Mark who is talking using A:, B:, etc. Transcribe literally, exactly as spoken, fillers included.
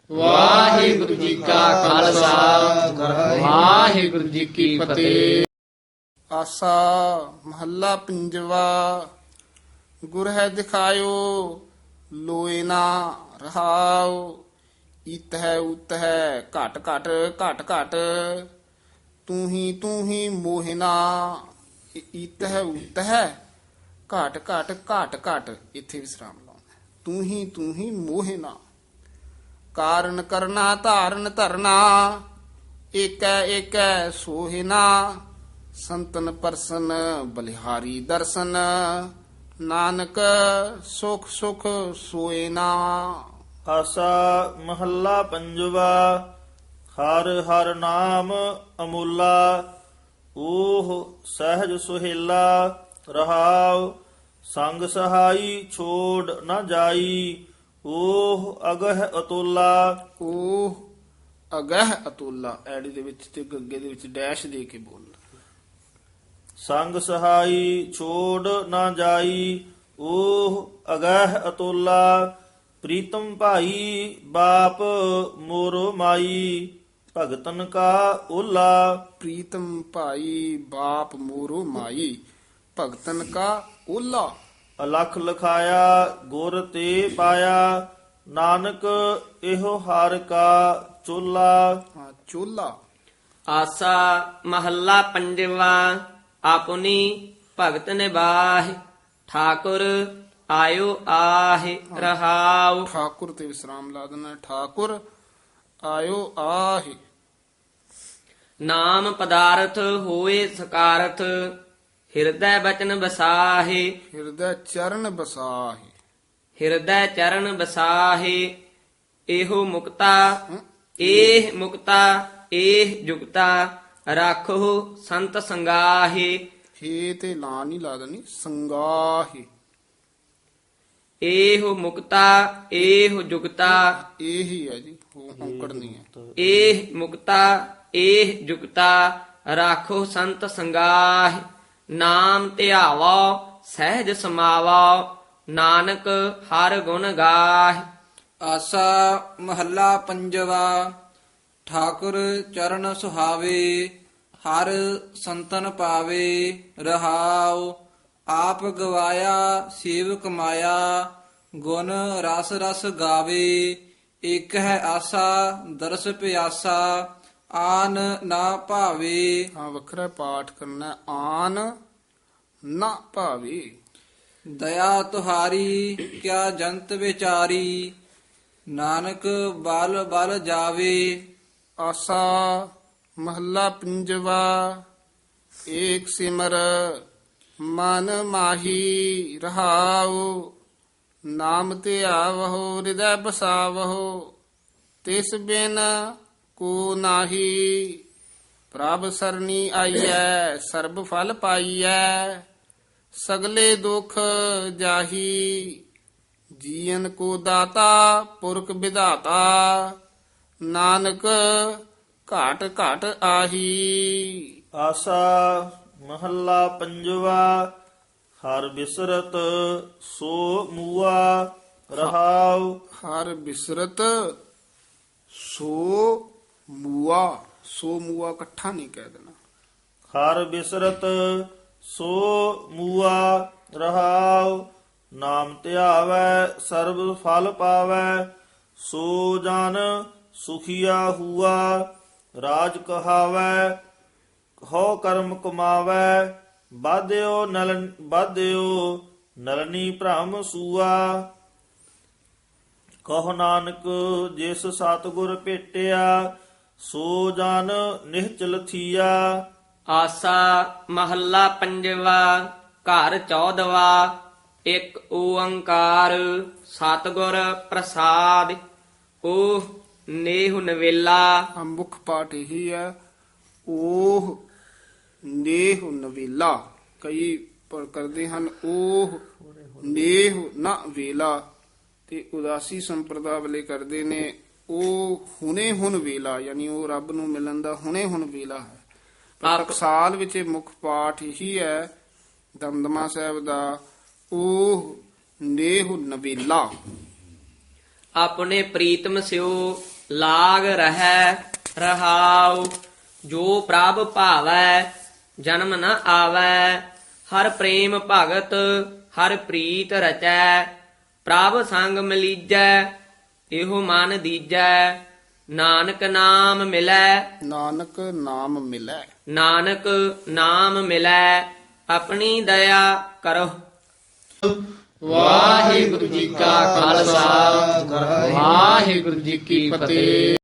A: ਵਾਹਿਗੁਰੂ ਜੀ ਕਾ ਖਾਲਸਾ ਵਾਹਿਗੁਰੂ ਜੀ ਕੀ ਫਤਿਹ।
B: ਆਸਾ ਮਹੱਲਾ ਪੰਜਵਾ। ਗੁਰ ਹੈ ਦਿਖਾਇਓ ਲੋਏ ਨਾ ਰਹਾਉ। ਇਤ ਹੈ ਉਤ ਹੈ ਘਟ ਘਟ ਘਟ ਘਟ। ਤੂੰ ਹੀ ਤੂੰ ਹੀ ਮੋਹਿਨਾ। ਇਤ ਹੈ ਉਤ ਹੈ ਘਟ ਘਟ ਘਟ ਘਟ। ਇੱਥੇ ਵਿਸਰਾਮ ਲਾਉਣਾ। ਤੂੰ ਹੀ ਤੂੰ ਹੀ ਮੋਹਿਨਾ। ਕਾਰਨ ਕਰਨਾ ਧਾਰਨ ਧਰਨਾ। ਏਕੈ ਏਕੈ ਸੋਹਿਨਾ। ਸੰਤਨ ਪਰਸਨ ਬਲਿਹਾਰੀ ਦਰਸ਼ਨ। ਨਾਨਕ ਸੁਖ ਸੁਖ ਸੋਏ ਨਾ।
C: ਆਸਾ ਮਹੱਲਾ ਪੰਜਵਾ। ਹਰ ਹਰ ਨਾਮ ਅਮੁੱਲਾ। ਓਹ ਸਹਿਜ ਸੁਹੇਲਾ ਰਹਾਉ। ਸੰਗ ਸਹਾਈ ਛੋੜ ਨ ਜਾਈ। ਓਹ ਅਗਹ ਅਤੁਲਾ।
B: ਉਹ ਅਗਹ ਅਤੁੱਲਾ। ਐੜੀ ਦੇ ਵਿੱਚ ਤੇ ਗੱਗੇ ਦੇ ਵਿੱਚ ਡੈਸ਼ ਦੇ ਕੇ ਬੋਲਣਾ।
C: ਸੰਗ ਸਹਾਈ ਛੋੜ ਨਾ ਜਾਈ। ਓਹ ਅਗਹ ਅਤੁਲਾ। ਪ੍ਰੀਤਮ ਭਾਈ ਬਾਪ ਮੋਰੋ ਮਾਈ। ਭਗਤਨ ਕਾ ਓਲਾ।
B: ਪ੍ਰੀਤਮ ਭਾਈ ਬਾਪ ਮੋਰੋ ਮਾਈ। ਭਗਤਨ ਕਾ ਓਲਾ।
C: ਅਲਖ ਲਖਾਇਆ ਗੁਰ ਤੇ ਪਾਇਆ। ਨਾਨਕ ਇਹੋ ਹਰ ਕਾ ਚੋਲਾ।
B: ਹਾਂ, ਚੋਲਾ।
A: ਆਸਾ ਮਹੱਲਾ ਪੰਜਵਾ। ਆਪਣੀ ਭਗਤ ਨਿਬਾਹਿ ਠਾਕੁਰ ਆਇਓ ਆਹਿ ਰਹਾਉ।
B: ਠਾਕੁਰ ਤੇ ਵਿਸਰਾਮ ਲਾ ਦੇਣਾ। ਠਾਕੁਰ ਆਇਓ ਆਹਿ।
A: ਨਾਮ ਪਦਾਰਥ ਹੋਏ ਸਕਾਰਥ ਹਿਰਦੈ ਬਚਨ ਬਸਾਹੇ।
B: ਹਿਰਦੈ ਚਰਨ ਬਸਾਹਿ।
A: ਹਿਰਦੈ ਚਰਨ ਬਸਾਹੇ। ਇਹੋ ਮੁਕਤਾ ਇਹ ਮੁਕਤਾ ਇਹ ਜੁਗਤਾ ਰਾਖੋ ਸੰਤ ਸੰਗਾਹੇ।
B: ਹੇ ਤੇ ਲਾ ਨਹੀਂ ਲਾ ਦੇਣੀ। ਸੰਗਾਹਿ।
A: ਇਹੋ ਮੁਕਤਾ ਇਹੋ ਜੁਗਤਾ
B: ਇਹ ਹੀ ਹੈ ਜੀ। ਉਹ ਔਂਕੜ ਨਹੀਂ ਹੈ।
A: ਇਹ ਮੁਕਤਾ ਇਹ ਜੁਗਤਾ ਰਾਖੋ ਸੰਤ ਸੰਗਾਹ। ਨਾਮ ਧਿਆਵੋ ਸਹਿਜ ਸਮਾਵੋ ਨਾਨਕ ਹਰ ਗੁਣ ਗਾਹ।
D: ਆਸਾ ਮਹੱਲਾ ਪੰਜਵਾ। ਠਾਕੁਰ ਚਰਨ ਸੁਹਾਵੇ ਹਰ ਸੰਤਨ ਪਾਵੇ ਰਹਾਉ। ਆਪ ਗਵਾਇਆ ਸੇਵਕ ਮਾਇਆ ਗੁਣ ਰਸ ਰਸ ਗਾਵੇ। ਇਕ ਹੈ ਆਸਾ ਦਰਸ ਪਿਆਸਾ ਆਨ ਨਾ ਭਾਵੇ।
B: ਹਾਂ, ਵੱਖਰਾ ਪਾਠ ਕਰਨਾ। ਆਨ ਨਾ ਭਾਵੇ।
D: ਦਇਆ ਤੁਹਾਰੀ ਕਿਆ ਜੰਤ ਵਿਚਾਰੀ। ਨਾਨਕ ਬਲ ਬਲ ਜਾਵੇ।
B: ਆਸਾ ਮਹੱਲਾ ਪੰਜਵਾ। ਏਕ ਸਿਮਰ ਮਨ ਮਾਹੀ ਰਹਾਉ। ਨਾਮ ਧਿਆਵਹੁ ਹਿਰਦੈ ਬਸਾਵਹੁ। ਤਿਸ ਬਿਨ ਕੋ ਨਾਹੀ। ਪ੍ਰਭ ਸਰਣੀ ਆਈਐ ਸਰਬ ਫਲ ਪਾਈਐ। ਸਗਲੇ ਦੁਖ ਜਾਹੀ। ਜੀਵਨ ਕੋ ਦਾਤਾ ਪੁਰਖ ਵਿਧਾਤਾ। ਨਾਨਕ ਘਾਟ ਘਾਟ ਆਹੀ।
C: ਆਸਾ ਮਹੱਲਾ ਪੰਜਵਾ। ਹਰ ਬਿਸਰਤ ਸੋ ਮੂਆ ਰਹਾਉ।
B: ਹਰ ਬਿਸਰਤ ਸੋ ਮੂਆ। ਸੋ ਮੂਆ ਇਕੱਠਾ ਨਹੀਂ ਕਹਿ ਦੇਣਾ।
C: ਹਰ ਬਿਸਰਤ ਸੋ ਮੂਆ ਰਹਾਉ। ਨਾਮ ਧਿਆਵੈ ਸਰਬ ਫਲ ਪਾਵੈ। ਸੋ ਜਨ ਸੁਖੀਆ ਹੁਆ। ਰਾਜ ਕਹਾਵੈ ਹੋ ਕਰਮ ਕਮਾਵੈ। ਬਾਧਿਓ ਨਲ ਬਾਧਿਓ ਨਲਨੀ ਭ੍ਰਮ ਸੂਆ। ਕਹੋ ਨਾਨਕ ਜਿਸ ਸਤਿਗੁਰ ਭੇਟਿਆ। ਸੋ ਜਨ ਨਿਹਚਲ ਥੀਆ।
A: ਆਸਾ ਮਹੱਲਾ ਪੰਜਵਾ। ਘਰ ਚੌਦਵਾ। ਇੱਕ ਓੰਕਾਰ ਸਤਿਗੁਰ ਪ੍ਰਸਾਦਿ। ਓਹ ਨੇਹੁ ਨਵੇਲਾ।
B: ਆ ਮੁੱਖ ਪਾਠ ਇਹੀ ਹੈ। ਉਹ ਨੇਹ ਨਵੇਲਾ। ਕਈ ਪਰ ਕਰਦੇ ਹਨ ਉਹ ਨੇਹ ਨਾ ਵੇਲਾ। ਤੇ ਉਦਾਸੀ ਸੰਪਰਦਾ ਵਾਲੇ ਕਰਦੇ ਨੇ ਉਹ ਹੁਣੇ ਹੁਣ ਵੇਲਾ। ਯਾਨੀ ਉਹ ਰੱਬ ਨੂੰ ਮਿਲਣ ਦਾ ਹੁਣੇ ਹੁਣ ਵੇਲਾ ਹੈ। ਪਰ ਟਕਸਾਲ ਵਿੱਚ ਇਹ ਮੁੱਖ ਪਾਠ ਇਹੀ ਹੈ ਦਮਦਮਾ ਸਾਹਿਬ ਦਾ। ਉਹ ਨੇਹ ਨਵੇਲਾ।
A: ਆਪਣੇ ਪ੍ਰੀਤਮ ਸਿਓ
E: ਲਾਗ ਰਹੈ ਰਹਾਉ। ਜੋ ਪ੍ਰਭ ਭਾਵੈ ਜਨਮ ਨ ਆਵੈ, ਹਰ ਪ੍ਰੇਮ ਭਗਤ ਹਰ ਪ੍ਰੀਤ ਰਚੈ। ਪ੍ਰਭ ਸੰਗ ਮਿਲੀਜੈ ਇਹੋ ਮਨ ਦੀਜੈ, ਨਾਨਕ ਨਾਮ ਮਿਲੈ
B: ਨਾਨਕ ਨਾਮ ਮਿਲੈ।
E: ਨਾਨਕ ਨਾਮ ਮਿਲੈ ਆਪਣੀ ਦਇਆ ਕਰੋ।
A: ਵਾਹਿਗੁਰੂ ਜੀ ਕਾ ਖਾਲਸਾ ਵਾਹਿਗੁਰੂ ਜੀ ਕੀ ਫਤਿਹ।